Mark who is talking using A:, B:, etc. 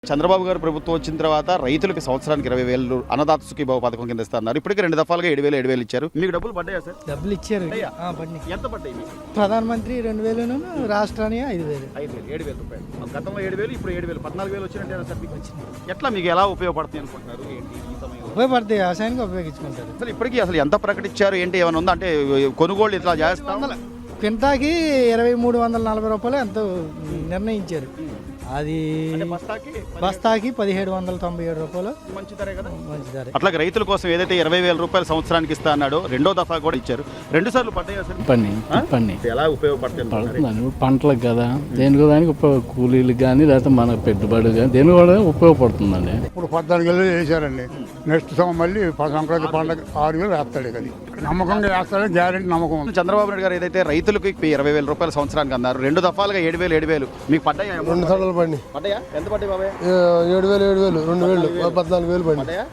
A: చంద్రబాబు గారు ప్రభుత్వం వచ్చిన తర్వాత రైతులకు సంవత్సరానికి 20,000 అన్నదాత సుఖీభావ పథకం కింద ఇస్తున్నారు. ఇప్పటికే 2 దఫాలుగా 7,000 ఇచ్చారు. మీకు డబ్బులు పడ్డాయా సార్?
B: డబ్బులు ఇచ్చారు.
A: ఎంత పడ్డాయి మీకు?
B: ప్రధానమంత్రి 2,000, రాష్ట్రానికి 5,000.
A: 7,000 రూపాయలు. గతంలో 7,000, ఇప్పుడు 7,000, 14,000 వచ్చినట్టు సార్ మీకు వచ్చింది. ఎట్లా మీకు ఎలా ఉపయోగపడుతుంది అనుకుంటున్నారు? ఏంటి ఈ సమయంలో
B: ఉపయోగపడతాయి, వ్యవసాయానికి ఉపయోగించుకుంటారు.
A: అసలు ఇప్పటికీ అసలు ఎంత ప్రకటించారు, ఏంటి ఏమైనా ఉందా? అంటే కొనుగోళ్ళు ఇట్లా చేస్తాం.
B: క్వింటాకి 2,340 రూపాయలు ఎంతో నిర్ణయించారు. అది బస్తాకి 1,797 రూపాయలు.
A: మంచి ధరే కదా.
B: మంచి ధర.
A: అట్లాగే రైతుల కోసం ఏదైతే 20,000 రూపాయలు సంవత్సరానికి ఇస్తా అన్నాడో 2వ దఫా కూడా ఇచ్చారు. 2 సార్లు పడ్డాయా సార్?
C: పని
A: ఎలా ఉపయోగపడుతుంది?
C: పంటలకు కదా, దేనికి దానికి కూలీలకు కానీ లేకపోతే మన పెట్టుబడి కానీ దేనికి కూడా ఉపయోగపడుతుందండి.
D: ఇప్పుడు 14,000 వేసారండి. నెక్స్ట్ మళ్ళీ సంక్రాంతి పండుగ 6,000 వేస్తాడు. అది నమ్మకంగా వేస్తాడని గ్యారెంటీ నమ్మకం ఉంది.
A: చంద్రబాబు నాయుడు గారు ఏదైతే రైతులకు 20,000 రూపాయలు సంవత్సరానికి అన్నారు, 2 దఫాలుగా 7,000 మీకు పడ్డాయా?
E: 2 సార్లు పడి
A: పడ్డాయా? ఎంత పడ్డాయి బాబాయ్?
E: 7,000, 2,000, 14,000 పడి.
A: పడ్డాయా?